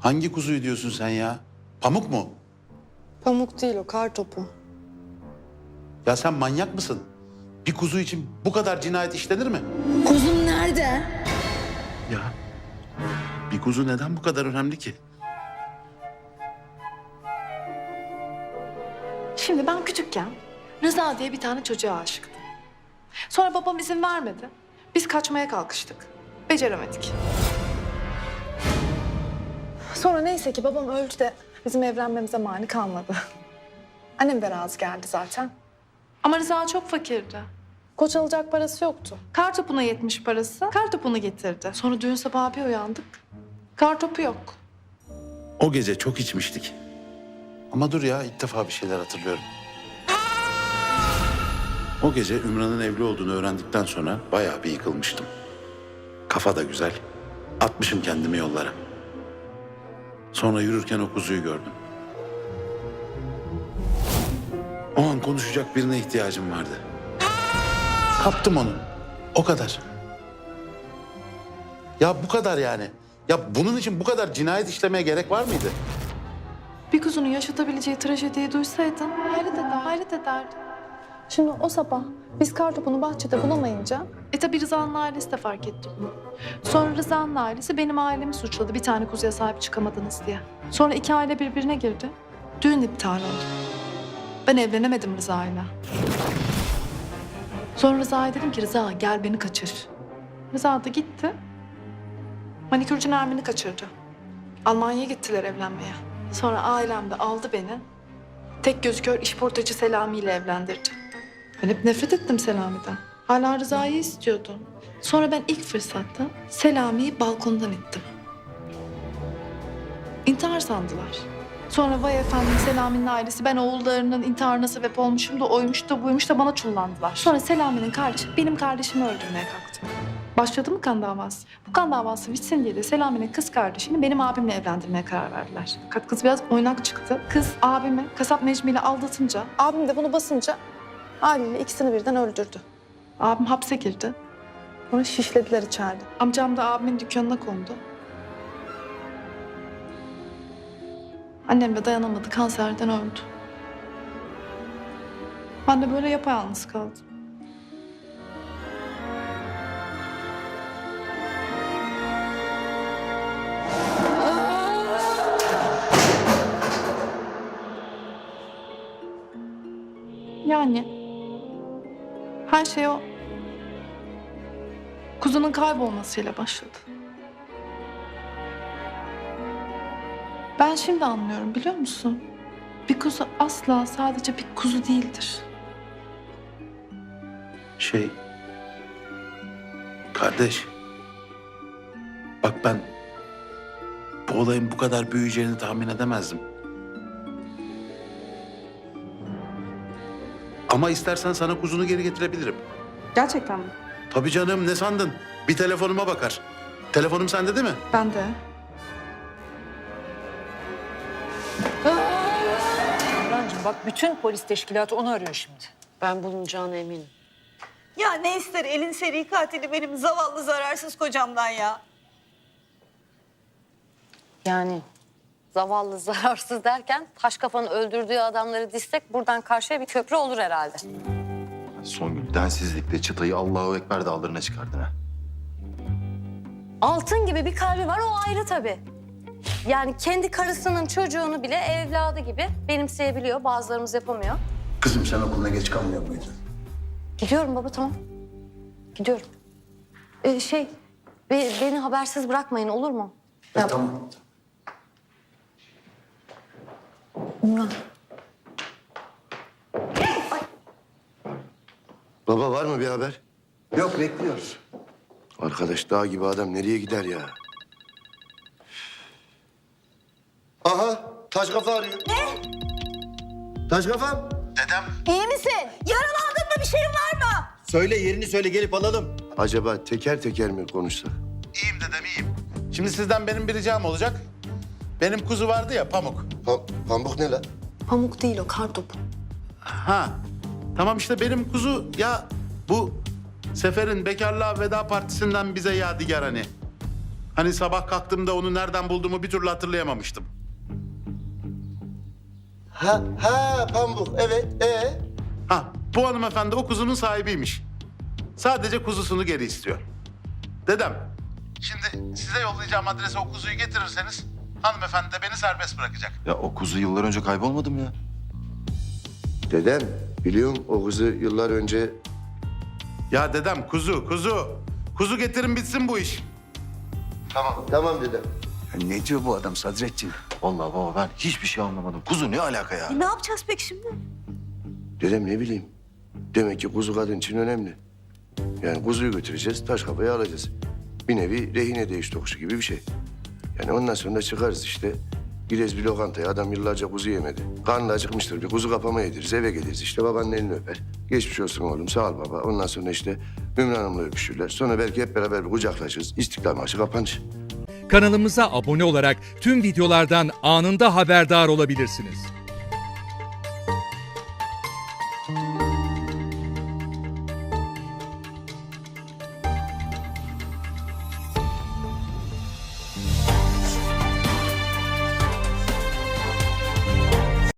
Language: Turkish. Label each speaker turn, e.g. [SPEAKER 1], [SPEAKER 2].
[SPEAKER 1] Hangi kuzuyu diyorsun sen ya? Pamuk mu?
[SPEAKER 2] Pamuk değil o, kar topu.
[SPEAKER 1] Ya sen manyak mısın? Bir kuzu için bu kadar cinayet işlenir mi?
[SPEAKER 2] Kuzum nerede?
[SPEAKER 1] Ya bir kuzu neden bu kadar önemli ki?
[SPEAKER 3] Şimdi ben küçükken Rıza diye bir tane çocuğa aşıktım. Sonra babam izin vermedi. Biz kaçmaya kalkıştık. Beceremedik. Sonra neyse ki babam öldü de bizim evlenmemize mani kalmadı. Annem de razı geldi zaten. Ama Rıza çok fakirdi. Koç alacak parası yoktu. Kartopuna yetmiş parası. Kartopunu getirdi. Sonra düğün sabahı bir uyandık. Kartopu yok.
[SPEAKER 1] O gece çok içmiştik. Ama dur ya, ilk defa bir şeyler hatırlıyorum. O gece Ümran'ın evli olduğunu öğrendikten sonra bayağı bir yıkılmıştım. Kafa da güzel. Atmışım kendimi yollara. Sonra yürürken o kuzuyu gördüm. O an konuşacak birine ihtiyacım vardı. Kaptım onu. O kadar. Ya bu kadar yani. Ya bunun için bu kadar cinayet işlemeye gerek var mıydı?
[SPEAKER 3] Bir kuzunun yaşatabileceği trajediyi duysaydın hayret ederdin. Şimdi o sabah biz kartopunu bahçede bulamayınca... tabii Rıza'nın ailesi de fark etti bunu. Sonra Rıza'nın ailesi benim ailemi suçladı bir tane kuzuya sahip çıkamadınız diye. Sonra iki aile birbirine girdi. Düğün iptal oldu. Ben evlenemedim Rıza'yla. Sonra Rıza'ya dedim ki Rıza gel beni kaçır. Rıza da gitti. Manikürcü Nermin'i kaçırdı. Almanya'ya gittiler evlenmeye. Sonra ailem de aldı beni. Tek gözü kör işportacı Selami ile evlendirdi. Ben hep nefret ettim Selami'den. Hala Rıza'yı istiyordum. Sonra ben ilk fırsatta Selami'yi balkondan ittim. İntihar sandılar. Sonra vay efendim Selami'nin ailesi ben oğullarının intiharına sebep olmuşum da oymuş da buymuş da bana çullandılar. Sonra Selami'nin kardeşi benim kardeşimi öldürmeye kalktı. Başladı mı kan davası? Bu kan davası bitsin diye de Selami'nin kız kardeşini benim abimle evlendirmeye karar verdiler. Fakat kız biraz oynak çıktı. Kız abimi kasap Necmi ile aldatınca, abim de bunu basınca haliyle ikisini birden öldürdü. Abim hapse girdi. Onu şişlediler içeride. Amcam da abimin dükkanına kondu. Annem de dayanamadı, kanserden öldü. Ben de böyle yapayalnız kaldım. Yani her şey o kuzunun kaybolmasıyla başladı. Ben şimdi anlıyorum biliyor musun? Bir kuzu asla sadece bir kuzu değildir.
[SPEAKER 1] Kardeş. Bak ben bu olayın bu kadar büyüyeceğini tahmin edemezdim. Ama istersen sana kuzunu geri getirebilirim.
[SPEAKER 2] Gerçekten mi?
[SPEAKER 1] Tabii canım, ne sandın? Bir telefonuma bakar. Telefonum sende değil mi?
[SPEAKER 3] Ben de.
[SPEAKER 4] Orhancığım bak bütün polis teşkilatı onu arıyor şimdi.
[SPEAKER 5] Ben bulunacağına eminim.
[SPEAKER 6] Ya ne ister elin seri katili benim zavallı zararsız kocamdan ya.
[SPEAKER 5] Yani zavallı zararsız derken taş kafanın öldürdüğü adamları dizsek buradan karşıya bir köprü olur herhalde.
[SPEAKER 7] Songül densizlikle çıtayı Allahu Ekber dağlarına çıkardın ha.
[SPEAKER 5] Altın gibi bir kalbi var o ayrı tabii. Yani kendi karısının çocuğunu bile evladı gibi benimseyebiliyor. Bazılarımız yapamıyor.
[SPEAKER 7] Kızım sen okuluna geç kalmıyor muydun?
[SPEAKER 5] Gidiyorum baba tamam. Gidiyorum. Beni habersiz bırakmayın olur mu? Ya,
[SPEAKER 7] Tamam.
[SPEAKER 5] Ümran.
[SPEAKER 8] Baba var mı bir haber?
[SPEAKER 7] Yok bekliyoruz.
[SPEAKER 8] Arkadaş dağ gibi adam nereye gider ya? Aha taş kafa arıyor. Ne? Taş kafam.
[SPEAKER 6] İyi misin? Yaralandın mı? Bir şeyin var mı?
[SPEAKER 8] Söyle yerini söyle gelip alalım. Acaba teker teker mi konuşsak?
[SPEAKER 1] İyiyim dedem, iyiyim. Şimdi sizden benim bir ricam olacak. Benim kuzu vardı ya, Pamuk.
[SPEAKER 8] Pamuk ne lan?
[SPEAKER 2] Pamuk değil o, kar topu.
[SPEAKER 1] Ha, tamam işte benim kuzu ya bu Sefer'in bekarlığa veda partisinden bize yadigar hani. Hani sabah kalktığımda onu nereden bulduğumu bir türlü hatırlayamamıştım.
[SPEAKER 8] Ha Pamuk evet
[SPEAKER 1] Ha, bu hanımefendi o kuzunun sahibiymiş. Sadece kuzusunu geri istiyor. Dedem, şimdi size yollayacağım adrese o kuzuyu getirirseniz hanımefendi de beni serbest bırakacak.
[SPEAKER 7] Ya o kuzu yıllar önce kaybolmadı mı ya?
[SPEAKER 8] Dedem biliyorum o kızı yıllar önce
[SPEAKER 1] Ya dedem, kuzu. Kuzu getirin bitsin bu iş.
[SPEAKER 8] tamam dedem.
[SPEAKER 9] Ne diyor bu adam Sadrettin?
[SPEAKER 7] Vallahi baba ben hiçbir şey anlamadım. Kuzu ne alaka ya?
[SPEAKER 6] Ne yapacağız peki şimdi?
[SPEAKER 8] Dedem ne bileyim. Demek ki kuzu kadın için önemli. Yani kuzuyu götüreceğiz, taş kafayı alacağız. Bir nevi rehine değiş tokuşu gibi bir şey. Yani ondan sonra da çıkarız işte. Gideriz bir lokantaya, adam yıllarca kuzu yemedi. Karnı acıkmıştır, bir kuzu kapama yediririz, eve geliriz. İşte babanın elini öper. Geçmiş olsun oğlum, sağ ol baba. Ondan sonra işte Ümran Hanım'la öpüşürler. Sonra belki hep beraber bir kucaklaşırız. İstiklal Marşı kapanır.
[SPEAKER 10] Kanalımıza abone olarak tüm videolardan anında haberdar olabilirsiniz.